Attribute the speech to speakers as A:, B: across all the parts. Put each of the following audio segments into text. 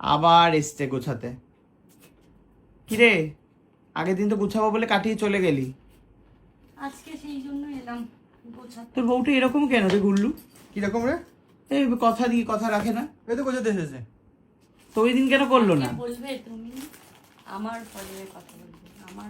A: আবার এসছে গোছাতে। কিরে, আগের দিন তো গুছাবো বলে কাটিয়ে চলে গেলি,
B: আজকে সেই জন্য এলাম গোছাতে।
A: তোর বউটা এরকম কেন রে গুল্লু?
C: কিরকম রে?
A: এই কথা দিয়ে কথা রাখে না,
C: এই তো গোছাতে এসেছে।
A: তো ওই দিন কেন করলো না?
B: বলবে তুমি আমার পরে কথা বলবে, আমার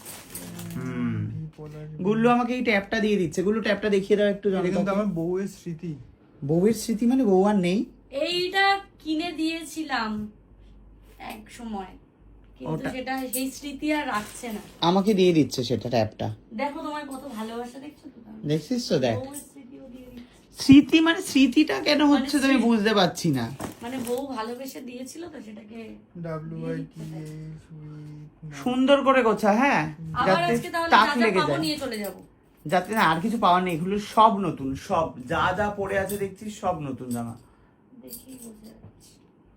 A: গুল্লু আমাকে এই ট্যাপটা দিয়ে দিচ্ছে। গুল্লু ট্যাপটা দেখিয়ে দাও একটু।
C: এটা কিন্তু আমার বউয়ের স্মৃতি।
A: বউয়ের স্মৃতি মানে বউ আর নেই?
B: এইটা কিনে দিয়েছিলাম এক সময়, কিন্তু সেটা সেই স্মৃতি আর রাখছে না।
A: আমাকে দিয়ে দিচ্ছে সেটা ট্যাপটা।
B: দেখো তোমার কত ভালোবাসা, দেখছো তো?
A: দেখছিস তো, দেখ।
B: বউয়ের স্মৃতিও দিয়ে দিচ্ছে।
A: স্মৃতি মানে স্মৃতিটা কেন হচ্ছে তুমি বুঝতে পারছি না।
B: মানে বউ ভালোবেসে দিয়েছিল তো সেটাকে।
C: WITA
A: সুন্দর করে গোছা, হ্যাঁ,
B: আবার
A: যাতে
B: আজকে তাহলে
A: টাক
B: যা যা
A: লেগে
B: পাবো
A: যায়,
B: নিয়ে চলে যাবো।
A: যাতে না আর কিছু পাওয়ার নেই। এগুলো সব নতুন, সব যা যা পড়ে আছে দেখছিস সব নতুন জামা।
B: দেখি বুঝে যাচ্ছি।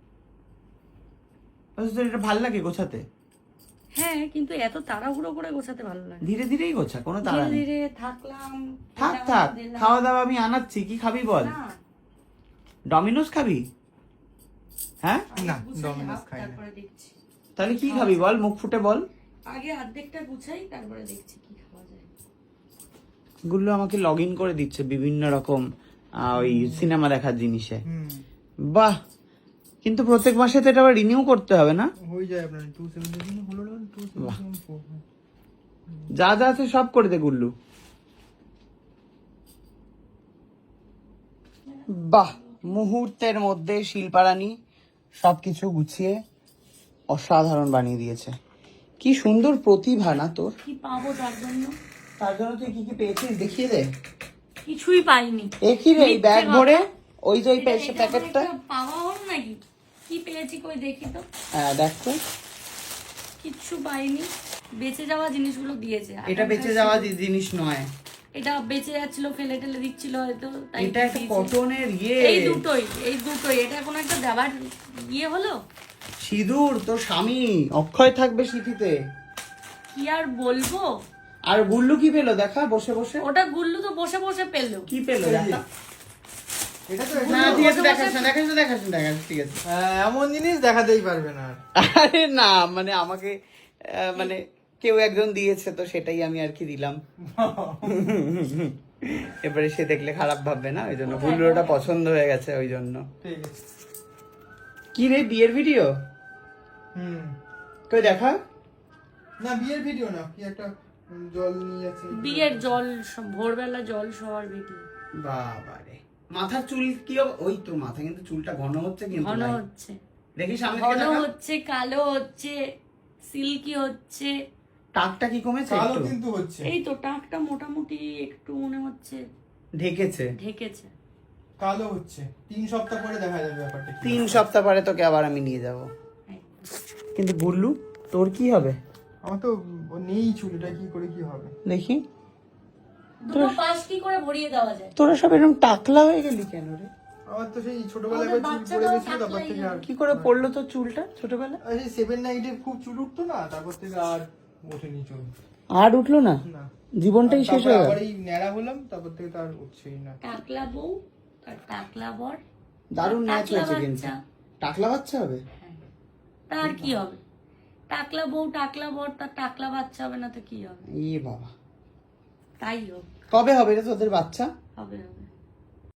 A: তোর এটা ভালো লাগে গোছাতে?
B: হ্যাঁ, কিন্তু এত তাড়াহুড়ো করে গোছাতে ভালো লাগে।
A: ধীরে ধীরেই গোছা, কোনো তাড়া
B: ধীরে
A: নেই।
B: ধীরে থাকলাম।
A: থাক
B: এলাম,
A: থাক,
B: দিলাম।
A: খাওয়া দাওয়া আমি আনাচ্ছি। কি খাবি বল?
B: না,
A: ডমিনোস খাবি? হ্যাঁ,
C: না,
B: গুছাই
C: ডমিনোস
B: হাফ,
C: খাই না।
B: তারপরে দেখছি।
A: তাহলে কি খাবি বল, মুখ ফুটে বল।
B: আগে অর্ধেকটা গুছাই, তারপরে দেখছি কি খাওয়া যায়।
A: গুলো আমাকে লগ ইন করে দিচ্ছে বিভিন্ন রকম ওই সিনেমা দেখার জিনিসে। বাহ, কিন্তু প্রত্যেক মাসে তো এটা আবার রিনিউ করতে হবে না?
C: হয়ে যায় আপনার 277 হলো না, 274।
A: যা যা আছে সব করে দে গুল্লু। বাহ, মুহূর্তের মধ্যে শিল্পারানী সবকিছু গুছিয়ে অসাধারণ বানিয়ে দিয়েছে। কি সুন্দর প্রতিভা না তোর?
B: কি পাবো তার জন্য?
A: তার জন্য তুই কি কি পেয়েছিস দেখিয়ে দে।
B: কিছুই পাইনি।
A: দেখি রে, এই ব্যাগ ভরে ওই যে ওই প্যাকেটটা।
B: পাওয়া হলো নাকি? কি পেয়েছি কই দেখি তো।
A: হ্যাঁ দেখ তো।
B: কিচ্ছু পাইনি। বেঁচে যাওয়া জিনিসগুলো দিয়েছে।
A: এটা বেঁচে যাওয়া জিনিস নয়,
B: এটা বেঁচে যাচ্ছিল, ফেলে টেলে দিচ্ছিল হয়তো, তাই
A: এটা একটা
B: দিয়েছে।
A: কটনের
B: এই দুটোই এটা কোনো একটা দেওয়ার হলো।
A: সিঁদুর তোর স্বামী অক্ষয় থাকবে স্মৃতিতে।
B: কি আর বলবো।
A: আর গুল্লু কি পেলো দেখা বসে বসে?
B: ওটা গুল্লু তো বসে বসে পেলো।
A: কি পেলো দেখা?
C: এটা তো
A: না ঠিক আছে, দেখাস না, ঠিক আছে।
C: এমন জিনিস দেখাতেই পারবে না।
A: আরে না, মানে আমাকে মানে কেউ একজন দিয়েছে তো সেটাই আমি আর কি দিলাম। এবারে সে দেখলে খারাপ ভাববে না, ওই জন্য গুল্লুটা পছন্দ হয়ে গেছে ওই জন্য।
C: ঠিক আছে।
A: কি রে, বিয়ের ভিডিও? কই দেখা।
C: না, বিয়ের ভিডিও না, কি একটা জল নিয়ে যাচ্ছে।
B: বিয়ের জল, ভোরবেলা জল সবার ভিডিও।
A: বাবারে, মাথার চুল কি ওই তো মাথা কিন্তু চুলটা ঘন হচ্ছে কিন্তু
B: ঘন
A: ভাই।
B: হচ্ছে,
A: দেখি সামনে
B: ঘন
A: থেকে দেখা।
B: হচ্ছে, কালো হচ্ছে, সিল্কি হচ্ছে।
A: টাকটা কি কমেছে
C: কালো
A: একটু?
C: কিন্তু হচ্ছে।
B: এই তো টাকটা মোটামুটি একটু মনে হচ্ছে
A: ঢেকেছে।
C: কালো হচ্ছে। 3 সপ্তাহ পরে দেখা যাবে ব্যাপারটা কি।
A: 3 সপ্তাহ পরে তোকে আবার আমি নিয়ে যাব। কিন্তু গুল্লু তোর কি হবে?
C: আমার তো নেই চুল, এটা কি করে কি হবে
A: দেখি।
B: দুটো পাশ কি করে ভরিয়ে দেওয়া যায়?
A: তোরা সব এরকম টাকলা হয়ে গেলি কেন রে?
C: আমার তো সেই ছোটবেলায় একবার চুল পড়ে গেছিল, তারপর থেকে আর
A: কি করে পড়লো তোর চুলটা ছোটবেলা?
C: সেই 7-9 খুব চুল উঠতো না, তারপর থেকে আর ওঠেনি চুল।
A: আর উঠলো না,
C: না,
A: জীবনটাই শেষ হয়ে গেল।
C: আবার এই ন্যাড়া হলাম, তারপর থেকে তো আর উঠছেই না।
B: টাকলা বউ আর টাকলা বর,
A: দারুণ ম্যাচ
B: টাকলা
A: হয়েছে কিন্তু।
B: বাচ্চা।
A: টাকলা বাচ্চা হবে?
B: তার কি হবে? টাকলা বউ টাকলা বর, তার টাকলা বাচ্চা হবে না তো কি হবে?
A: এ বাবা,
B: তাই হোক,
A: কবে হবে রে তোদের বাচ্চা?
B: হবে হবে।